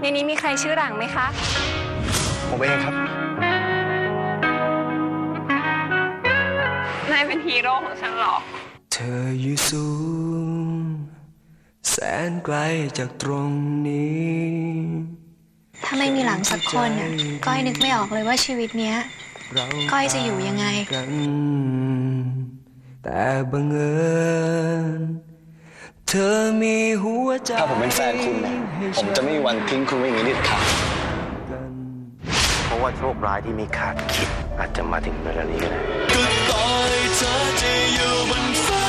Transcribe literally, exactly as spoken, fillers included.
นี้มีใครชื่อหลังไหมคะผมเองครับนายเป็นฮีโร่ของฉันหรอเธออยู่สูงแสนไกลจากตรงนี้ถ้าไม่มีหลังสักคนน่ะก้อยนึกไม่ออกเลยว่าชีวิตเนี้ยก้อยจะอยู่ยังไงแต่บังเอิญเธอมีหัวใจถ้าผมเป็นแฟนคุณเนี่ยผมจะไม่มีวันทิ้งคุณไว้อย่างนี้เด็ดขาดเพราะว่าโชคร้ายที่ไม่คาดคิดอาจจะมาถึงเวลานี้ก็ได้ก็ต่อยเธอจะอยู่บนฟ้า